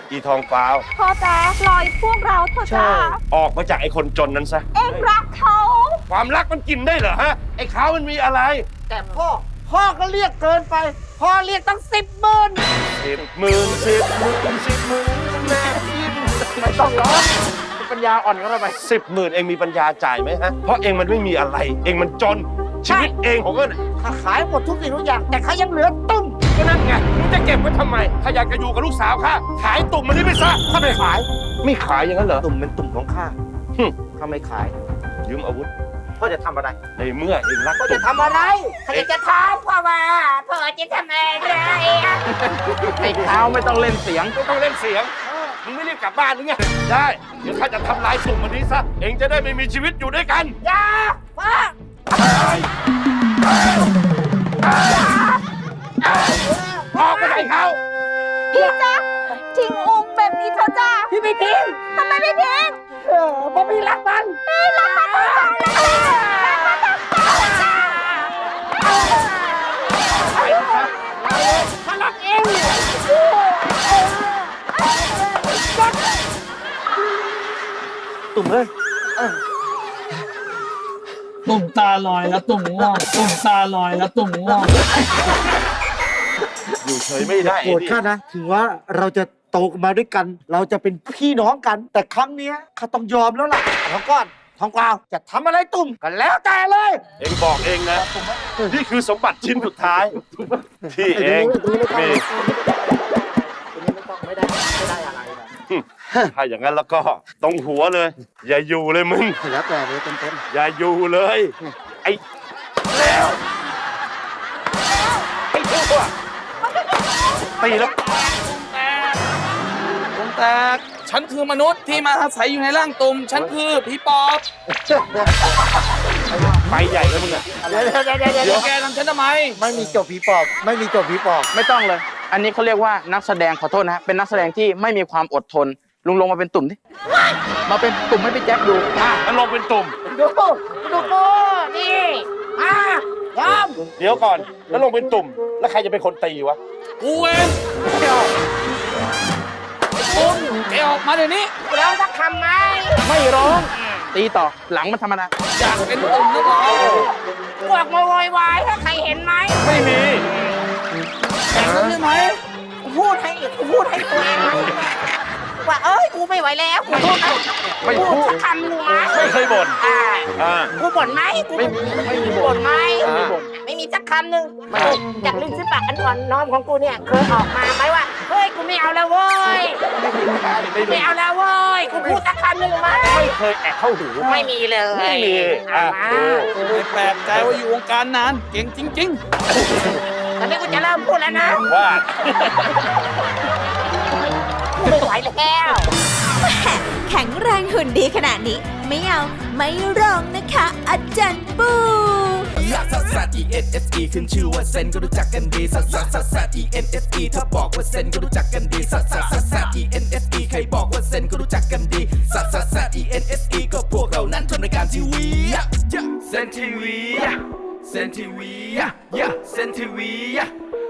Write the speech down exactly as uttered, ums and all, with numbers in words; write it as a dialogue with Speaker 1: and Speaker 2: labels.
Speaker 1: อีทองฟ้าว
Speaker 2: พ่อจ๊ะปล่อยพวกเราเถอะจ้า
Speaker 1: ออกมาจากไอ้คนจนนั้นซะ
Speaker 2: เอ็งรักเขา
Speaker 1: ความรักมันกินได้เหรอฮะไอ้เขามันมีอะไร
Speaker 3: แต่พ่อพ่อก็เรียกเกินไปพ่อเรียกตั้งสิบหมื่น
Speaker 1: สิบหมื่นสิบหมื่นสิบหมื่นแม่ยิน
Speaker 3: ไม่ต้องร้องปัญญาอ่อนก็ได้ไป
Speaker 1: สิบหมื่นเองมีปัญญาจ่ายไหมฮะเพราะเองมันไม่มีอะไรเองมันจนชีวิตเองของก็
Speaker 3: ถ้าขายหมดทุกสิ่งทุกอย่างแต่เขายังเหลือตุ้ม
Speaker 1: ก็นั่นไงมึงจะเก็บไว้ทำไมถ้าอยากจะอยู่กับลูกสาวข้าขายตุ่มมันนี่ไปซะ
Speaker 3: ถ้าไม่ขาย
Speaker 1: ไม่ขายอย่างนั้นเหรอ
Speaker 3: ตุ่มเป็นตุ่มของข้าถ้าไม่ขาย
Speaker 1: ยืมอาวุธ
Speaker 3: พ่อจะทำอะไร
Speaker 1: ในเมื่อเองรัก
Speaker 3: พ่อจะทำอะไรใครจะทำพ่อว่าพ่อจะทำอะไรไอ้เท้าไม่ต้องเล่นเสียง
Speaker 1: ไม่ต้องเล่นเสียงมึงไม่รีบกลับบ้านหรือไงได้เดี๋ยวข้าจะทำลายตุ่มมันนี้ซะเองจะได้ไม่มีชีวิตอยู่ด้วยกัน
Speaker 3: อย่าพ่อ
Speaker 1: ออกไปไหนเขา
Speaker 2: พี่จ๊ะทิ้งองค์แบบนี้เถอะจ้า
Speaker 3: พี่ไม่ทิ้ง
Speaker 2: ทำไมไม่ทิ้ง
Speaker 3: เออเพราะพี่รักมัน
Speaker 2: พี่รักมันรักมัน
Speaker 3: มันรักเองตุ่มเลย
Speaker 4: ตุ่มตาลอยแล้วตุ่มง่วงตุ่มตาลอยแล้วตุ่มง่วง
Speaker 1: อยู่เฉยไม่ได้
Speaker 3: โกรธข้านะถึงว่าเราจะโตมาด้วยกันเราจะเป็นพี่น้องกันแต่ครั้งนี้ข้าต้องยอมแล้วล่ะทองก้อนทองกวาวจะทำอะไรตุ่มกันแล้วแต่เลย
Speaker 1: เองบอกเองนะนี่คือสมบัติชิ้นสุดท้ายที่เองมี
Speaker 3: ไม่ได้ไม่ได้อะไรนะ
Speaker 1: ถ้าอย่างนั้นแล้วก็ตรงหัวเลยอย่าอยู่เลยมึง
Speaker 3: แล้วแต่เลยเต็ม
Speaker 1: ๆอย่าอยู่เลยไอ้แล้วไอ้ชั่วตีแล้ว
Speaker 4: ตุ่มแตกฉันคือมนุษย์ที่มาอาศัยอยู่ในร่างตุ่มฉันคือผีปอบ
Speaker 1: ไปใหญ่แล้วมึงอะ
Speaker 3: เดี๋ยวเดี๋ยวเดี๋ยว
Speaker 4: เดี๋ยวแกทำฉันทำไม
Speaker 3: ไม่มีจบผีปอบไม่มีจบผีปอบ
Speaker 5: ไม่ต้องเลยอันนี้เขาเรียกว่านักแสดงขอโทษนะฮะเป็นนักแสดงที่ไม่มีความอดทนลุงลงมาเป็นตุ่มดิมาเป็นตุ่มให้พี่แจ็คดู
Speaker 1: อ่ะแล้วลงเป็นตุ่ม
Speaker 3: ดูดูกูนี่อ่ะยอม
Speaker 1: เดี๋ยวก่อนแล้วลงเป็นตุ่มแล้วใครจะเป็นคนตีวะ
Speaker 4: กูเองตุ่มแกออกมาเดี๋ยวนี้
Speaker 3: ร้องสักคำไหม
Speaker 5: ไม่ร้องตีต่อหลังมันธรรมดา
Speaker 4: อยากเป็นตุ่มนักร้อง
Speaker 3: พวกมาโวยวายถ้าใครเห็นไหม
Speaker 1: ไม่มี
Speaker 4: แข่งกันใช่ไหม
Speaker 3: พูดให้พูดให้ตัวเองว่าเอ้ยกูไม่ไหวแล้วกูพูด
Speaker 1: ไม่พูด
Speaker 3: คำกูไหม
Speaker 1: ไม่เคยบ่น
Speaker 3: อ่ากูบ่นไหมกู
Speaker 5: ไม่ไม่มีบ่
Speaker 3: นไหมไม่มีสักคำหนึ่งจากลิ้นซิปากอันอ่อนน้อมของกูเนี่ยเคยออกมาไหมว่าเฮ้ยกูไม่เอาแล้วเว้ยไม่เอาแล้วเว้ยกูพูดสักคำหนึ่งไหม
Speaker 1: ไม่เคยแอบเข้าหู
Speaker 3: ไม่มีเลย
Speaker 1: ไม่มีอ่ะ
Speaker 4: ไม่แปลกใจว่าอยู่วงการนานเก่งจริง
Speaker 3: ๆตอนนี้กูจะเริ่มพูดแล้วนะ
Speaker 1: ว่า
Speaker 3: ไม่ไหวแล้ว
Speaker 2: แข็งแรงหุ่นดีขนาดนี้ไม่เอาไม่ร้องนะคะอาจารย์ปู
Speaker 6: ลักซัสซัส E N S E ขึ้นชื่อว่าเซนก็รู้จักกันดีซัสซัสซัสซัส E N S E ถ้าบอกว่าเซนก็รู้จักกันดีซัสซัสซัสซัส E N S E ใครบอกว่าเซนก็รู้จักกันดีซัสซัสซัส E N S E ก็พวกเรานั้นทำรายการทีวีเซนทีวีเซนทีวีเซนทีวี